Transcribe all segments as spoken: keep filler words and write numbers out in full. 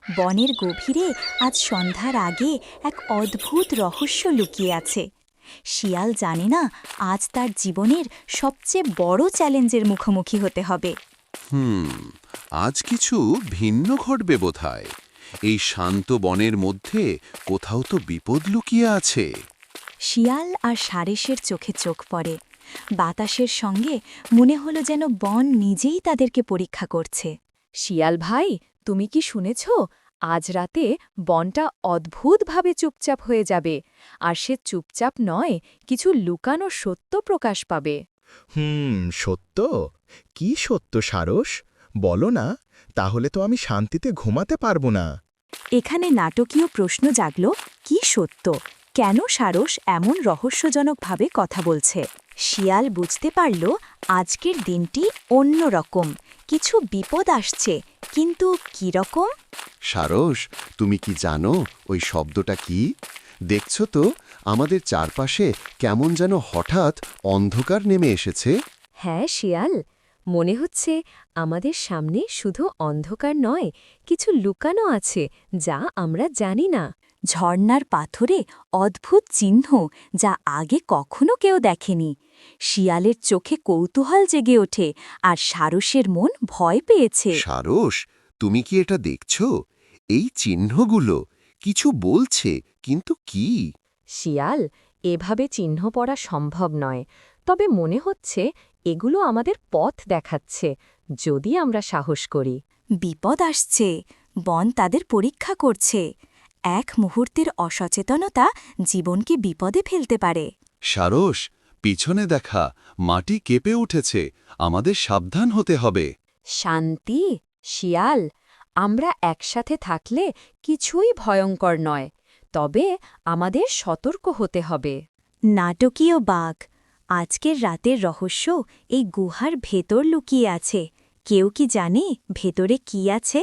বনের গভীরে আজ সন্ধ্যার আগে এক অদ্ভুত রহস্য লুকিয়ে আছে। শিয়াল জানে না আজ তার জীবনের সবচেয়ে বড় চ্যালেঞ্জের মুখোমুখি হতে হবে। হুম আজ কিছু ভিন্ন ঘটবে বোধহয়। এই শান্ত বনের মধ্যে কোথাও তো বিপদ লুকিয়ে আছে। শিয়াল আর সারেসের চোখে চোখ পড়ে। বাতাসের সঙ্গে মনে হলো যেন বন নিজেই তাদেরকে পরীক্ষা করছে। শিয়াল ভাই, তুমি কি শুনেছ? আজ রাতে বনটা অদ্ভুতভাবে চুপচাপ হয়ে যাবে, আর সে চুপচাপ নয়, কিছু লুকানো সত্য প্রকাশ পাবে। হুম সত্য? কি সত্য সারস? বলো না, তাহলে তো আমি শান্তিতে ঘুমাতে পারবো না। এখানে নাটকীয় প্রশ্ন জাগল, কি সত্য? কেন সারস এমন রহস্যজনকভাবে কথা বলছে? শিয়াল বুঝতে পারল আজকের দিনটি অন্যরকম, কিছু বিপদ আসছে, কিন্তু কি রকম? সারস, তুমি কি জানো ওই শব্দটা কি? দেখছো তো আমাদের চারপাশে কেমন যেন হঠাৎ অন্ধকার নেমে এসেছে। হ্যাঁ শিয়াল, মনে হচ্ছে আমাদের সামনে শুধু অন্ধকার নয়, কিছু লুকানো আছে যা আমরা জানি না। ঝর্ণার পাথরে অদ্ভুত চিহ্ন, যা আগে কখনো কেউ দেখেনি। শিয়ালের চোখে কৌতূহল জেগে ওঠে, আর সারসের মন ভয় পেয়েছে। সারস, তুমি কি এটা দেখছো? এই চিহ্নগুলো কিছু বলছে, কিন্তু কি? শিয়াল, এভাবে চিহ্ন পড়া সম্ভব নয়, তবে মনে হচ্ছে এগুলো আমাদের পথ দেখাচ্ছে, যদি আমরা সাহস করি। বিপদ আসছে, বন তাদের পরীক্ষা করছে। এক মুহূর্তের অসচেতনতা জীবনকে বিপদে ফেলতে পারে। সারস, পিছনে দেখা, মাটি কেঁপে উঠেছে, আমাদের সাবধান হতে হবে। শান্তি, শিয়াল, আমরা একসাথে থাকলে কিছুই ভয়ঙ্কর নয়, তবে আমাদের সতর্ক হতে হবে। নাটকীয় বাঘ। আজকের রাতের রহস্য এই গুহার ভেতর লুকিয়ে আছে। কেউ কি জানে ভেতরে কি আছে?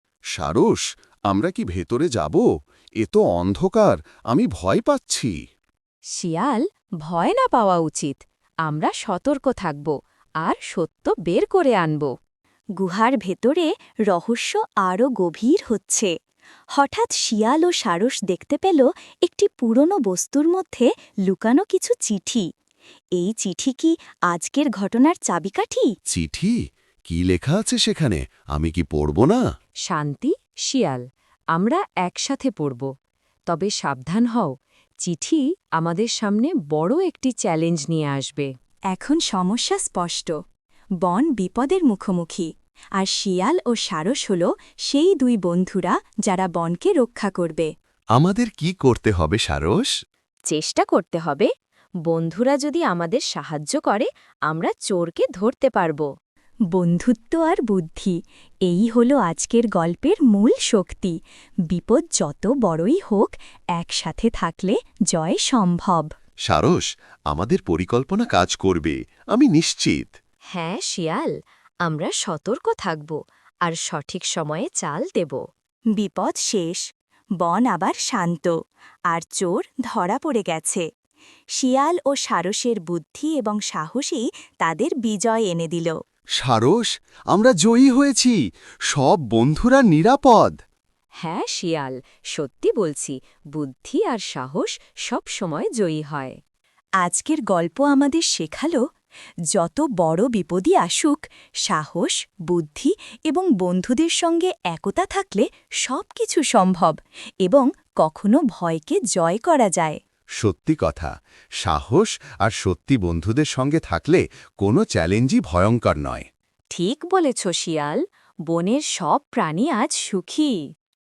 সারস, আমরা কি ভেতরে যাব? এ তো অন্ধকার, আমি ভয় পাচ্ছি। শিয়াল, ভয় না পাওয়া উচিত। আমরা সতর্ক থাকব আর সত্য বের করে আনব। গুহার ভেতরে রহস্য আরও গভীর হচ্ছে। হঠাৎ শিয়াল ও সারস দেখতে পেল একটি পুরনো বস্তুর মধ্যে লুকানো কিছু চিঠি। এই চিঠি কি আজকের ঘটনার চাবিকাঠি? চিঠি? কি লেখা আছে সেখানে? আমি কি পড়ব না? শান্তি, শিয়াল, আমরা একসাথে পড়ব। তবে সাবধান হও, চিঠি আমাদের সামনে বড় একটি চ্যালেঞ্জ নিয়ে আসবে। এখন সমস্যা স্পষ্ট। বন বিপদের মুখোমুখি, আর শিয়াল ও সারস হল সেই দুই বন্ধুরা যারা বনকে রক্ষা করবে। আমাদের কি করতে হবে সারস? চেষ্টা করতে হবে। বন্ধুরা যদি আমাদের সাহায্য করে, আমরা চোরকে ধরতে পারব। বন্ধুত্ব আর বুদ্ধি, এই হল আজকের গল্পের মূল শক্তি। বিপদ যত বড়ই হোক, একসাথে থাকলে জয় সম্ভব। সারস, আমাদের পরিকল্পনা কাজ করবে, আমি নিশ্চিত। হ্যাঁ শিয়াল, আমরা সতর্ক থাকব আর সঠিক সময়ে চাল দেব। বিপদ শেষ, বন আবার শান্ত, আর চোর ধরা পড়ে গেছে। শিয়াল ও সারসের বুদ্ধি এবং সাহসী তাদের বিজয় এনে দিল। সারস, আমরা জয়ী হয়েছি, সব বন্ধুরা নিরাপদ। হ্যাঁ শিয়াল, সত্যি বলছি, বুদ্ধি আর সাহস সব সময় জয়ী হয়। আজকের গল্প আমাদের শেখালো, যত বড় বিপদই আসুক, সাহস, বুদ্ধি এবং বন্ধুদের সঙ্গে একতা থাকলে সব কিছু সম্ভব, এবং কখনো ভয়কে জয় করা যায়। সত্যি কথা, সাহস আর সত্যি বন্ধুদের সঙ্গে থাকলে কোনো চ্যালেঞ্জই ভয়ঙ্কর নয়। ঠিক বলেছ শিয়াল, বনের সব প্রাণী আজ সুখী।